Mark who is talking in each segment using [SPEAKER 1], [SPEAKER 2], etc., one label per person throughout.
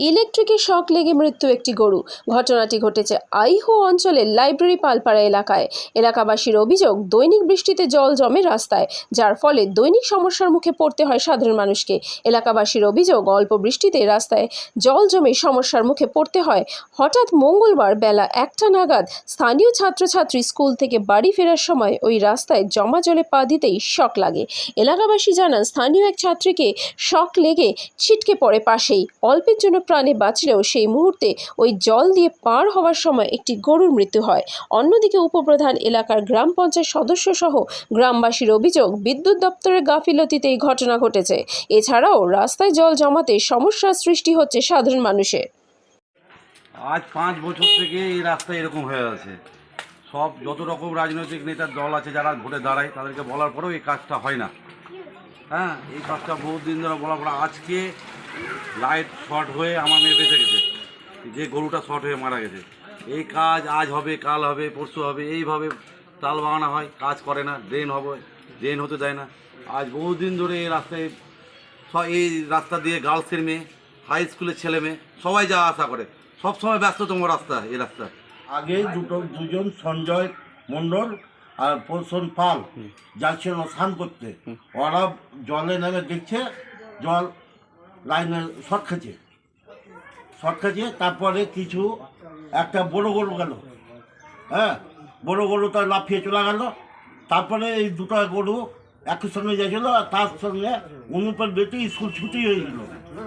[SPEAKER 1] ইলেকট্রিকের শক লেগে মৃত্যু একটি গরু। ঘটনাটি ঘটেছে আইহো অঞ্চলের লাইব্রেরি পালপাড়া এলাকায়। এলাকাবাসীর অভিযোগ, দৈনিক বৃষ্টিতে জল জমে রাস্তায়, যার ফলে দৈনিক সমস্যার মুখে পড়তে হয় সাধারণ মানুষকে। এলাকাবাসীর অভিযোগ, অল্প বৃষ্টিতে রাস্তায় জল জমে সমস্যার মুখে পড়তে হয়। হঠাৎ মঙ্গলবার বেলা 1টা নাগাদ স্থানীয় ছাত্রছাত্রী স্কুল থেকে বাড়ি ফেরার সময় ওই রাস্তায় জমা জলে পা দিতেই শক লাগে। এলাকাবাসী জানান, স্থানীয় এক ছাত্রীকে শক লেগে ছিটকে পড়ে পাশেই। অল্পের জন্য প্রাণে বাঁচলেও সেই মুহূর্তে ওই জল দিয়ে পার হওয়ার সময় একটি গরুর মৃত্যু হয়। অন্যদিকে উপপ্রধান এলাকার গ্রাম পঞ্চায়েত সদস্য সহ গ্রামবাসীর অভিযোগ, বিদ্যুৎ দপ্তরের গাফিলতিতে এই ঘটনা ঘটেছে। এছাড়াও রাস্তায় জল জমাতে সমস্যার সৃষ্টি হচ্ছে সাধারণ মানুষের।
[SPEAKER 2] আজ 5 বছর থেকে এই রাস্তা এরকম হয়ে আছে। সব যত রকম রাজনৈতিক নেতার দল আছে যারা ভোটে দাঁড়ায়, তাদেরকে বলার পরেও এই কাজটা হয় না। হ্যাঁ, এই কাজটা বহুত দিন ধরে বলার পরে আজকে লাইট শর্ট হয়ে আমার মেয়ে বেঁচে গেছে, যে গরুটা শর্ট হয়ে মারা গেছে। এই কাজ আজ হবে, কাল হবে, পরশু হবে, এইভাবে তাল বাগানো হয়, কাজ করে না। ড্রেন হবে, ড্রেন হতে দেয় না। আজ বহুদিন ধরে এই রাস্তায় এই রাস্তা দিয়ে গার্লসের মেয়ে, হাই স্কুলের ছেলে মেয়ে সবাই যাওয়া আসা করে। সবসময় ব্যস্ততম রাস্তা এই রাস্তা।
[SPEAKER 3] আগে দুজন সঞ্জয় মণ্ডল আর প্রসন পাল যাচ্ছিল স্নান করতে। ওরা জলে নেমে দেখছে জল লাইনে শর্ট খেয়েছে। তারপরে কিছু একটা বড় গরু গেল, হ্যাঁ, বড় গরু তার লাফিয়ে চলে গেল। তারপরে এই দুটো গরু একই সঙ্গে যাচ্ছিল, আর তার সঙ্গে অনুপের বেটি স্কুল ছুটি হয়ে গেল।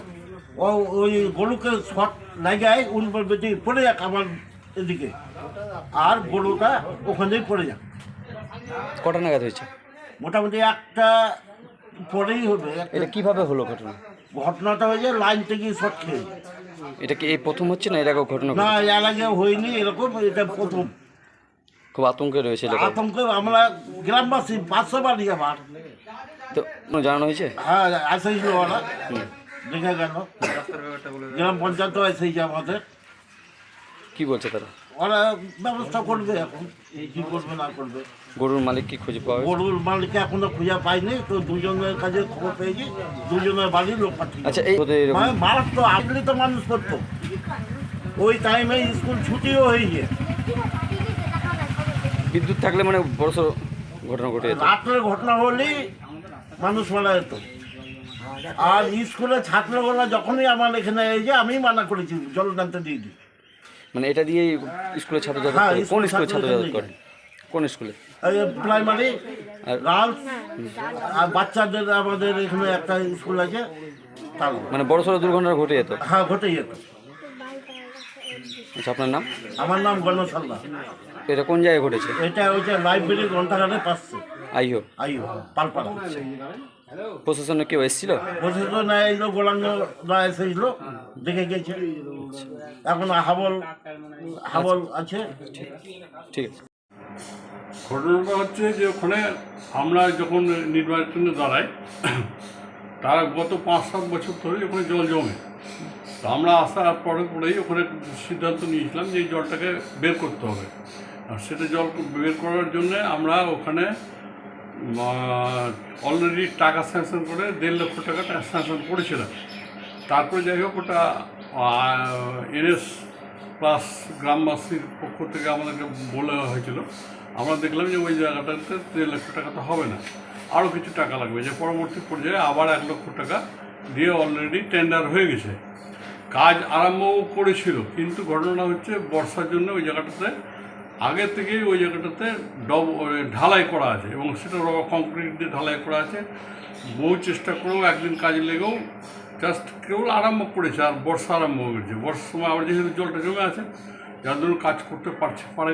[SPEAKER 3] ওই গরুকে শর্ট লাগায় অনুপের বেটি পড়ে যাক আমার এদিকে, আর গরুটা ওখানেই পড়ে যাক।
[SPEAKER 4] কটা নাগাদ হয়েছে?
[SPEAKER 3] মোটামুটি একটা পরেই হবে।
[SPEAKER 4] এটা কিভাবে হলো
[SPEAKER 3] ঘটনাটা হয়েছে লাইন থেকে শর্ট খেয়ে।
[SPEAKER 4] এটা কি এই প্রথম হচ্ছে না এর আগেও ঘটনা?
[SPEAKER 3] না, এর আগে হয়নি এরকম, এটা প্রথম।
[SPEAKER 4] খুব আতঙ্কে রয়েছে এলাকা।
[SPEAKER 3] আতঙ্কে আমরা গ্রামবাসী 500 বাড়ি আমার।
[SPEAKER 4] তো জানানো হয়েছে?
[SPEAKER 3] হ্যাঁ, এসেছিল ওরা, দেখে গেল। গ্রাম পঞ্চায়েত এসেছে আমাদের।
[SPEAKER 4] কি বলছে তারা?
[SPEAKER 3] ওরা ব্যবস্থা করবে, এখন কি করবে না করবে।
[SPEAKER 4] গরুর মালিক কি খুঁজে পাওয়া গেছে?
[SPEAKER 3] গরুর মালিককে এখনো খুঁজে পাইনি, তো দুজনের কাছে খবর পেয়েছি, দুজনের বাড়ির লোক পাঠিয়ে।
[SPEAKER 4] আচ্ছা, এই
[SPEAKER 3] মারাত তো আসলে তো মানুষ করতো, ওই টাইমে স্কুল ছুটিও হয়েছে।
[SPEAKER 4] বিদ্যুৎ থাকলে মানে বড়সড় ঘটনা ঘটে যেত।
[SPEAKER 3] রাত্রের ঘটনা হলেই মানুষ মারা যেত। আর স্কুলের ছাত্রগুলো যখনই আমার এখানে এসে আমি মানা করেছি জল টানতে দিয়ে দিই।
[SPEAKER 4] মানে এটা দিয়ে স্কুলের ছাত্র যাতায়াত
[SPEAKER 3] হ্যাঁ,
[SPEAKER 4] করে? কোন স্কুলের ছাত্র যাতায়াত করে? কোন স্কুলে?
[SPEAKER 3] প্রাইমারি
[SPEAKER 4] আর
[SPEAKER 3] গার্লস আর বাচ্চাদের আমাদের এখানে একটা স্কুল আছে, তার
[SPEAKER 4] মানে বড়সড় দুর্ঘটনা ঘটে যেত?
[SPEAKER 3] হ্যাঁ, ঘটে যেত।
[SPEAKER 4] আচ্ছা, আপনার নাম?
[SPEAKER 3] আমার নাম গণসাল্লা।
[SPEAKER 4] এটা কোন জায়গায় ঘটেছে?
[SPEAKER 3] এটা হচ্ছে লাইব্রেরি গ্রন্থাগারের পাশে,
[SPEAKER 4] আইও
[SPEAKER 3] পালপাড়া।
[SPEAKER 4] প্রশাসনে কেউ এসেছিল?
[SPEAKER 3] প্রশাসন এলো, গোলাঙ্গরা এসেছিল, দেখে গেছে। এখন হাবল আছে।
[SPEAKER 4] ঠিক আছে।
[SPEAKER 5] ঘটনাটা হচ্ছে যে ওখানে আমরা যখন নির্বাচনে দাঁড়াই, তার গত 5-7 বছর ধরে ওখানে জল জমে। তো আমরা আসার পরেই ওখানে সিদ্ধান্ত নিয়েছিলাম যে এই জলটাকে বের করতে হবে। আর সেটা জল বের করার জন্যে আমরা ওখানে অলরেডি টাকা স্যাংশন করে 1.5 লক্ষ টাকা স্যাংশন করেছিলাম। তারপরে যাই হোক, ওটা NS প্লাস গ্রামবাসীর পক্ষ থেকে আমাদেরকে বলা হয়েছিল। আমরা দেখলাম যে ওই জায়গাটাতে 1.5 লক্ষ টাকা তো হবে না, আরও কিছু টাকা লাগবে। যে পরবর্তী পর্যায়ে আবার 1 লক্ষ টাকা দিয়ে অলরেডি টেন্ডার হয়ে গেছে, কাজ আরম্ভও করেছিল। কিন্তু ঘটনা হচ্ছে বর্ষার জন্য ওই জায়গাটাতে আগে থেকেই ওই জায়গাটাতে ঢালাই করা আছে, এবং সেটা কংক্রিট দিয়ে ঢালাই করা আছে। বহু চেষ্টা করেও একদিন কাজে লেগেও জাস্ট কেবল আরম্ভ করেছে, আর বর্ষা আরম্ভ হয়ে গেছে। বর্ষার সময় আবার যেহেতু জলটা জমে আছে, যার জন্য কাজ করতে পারে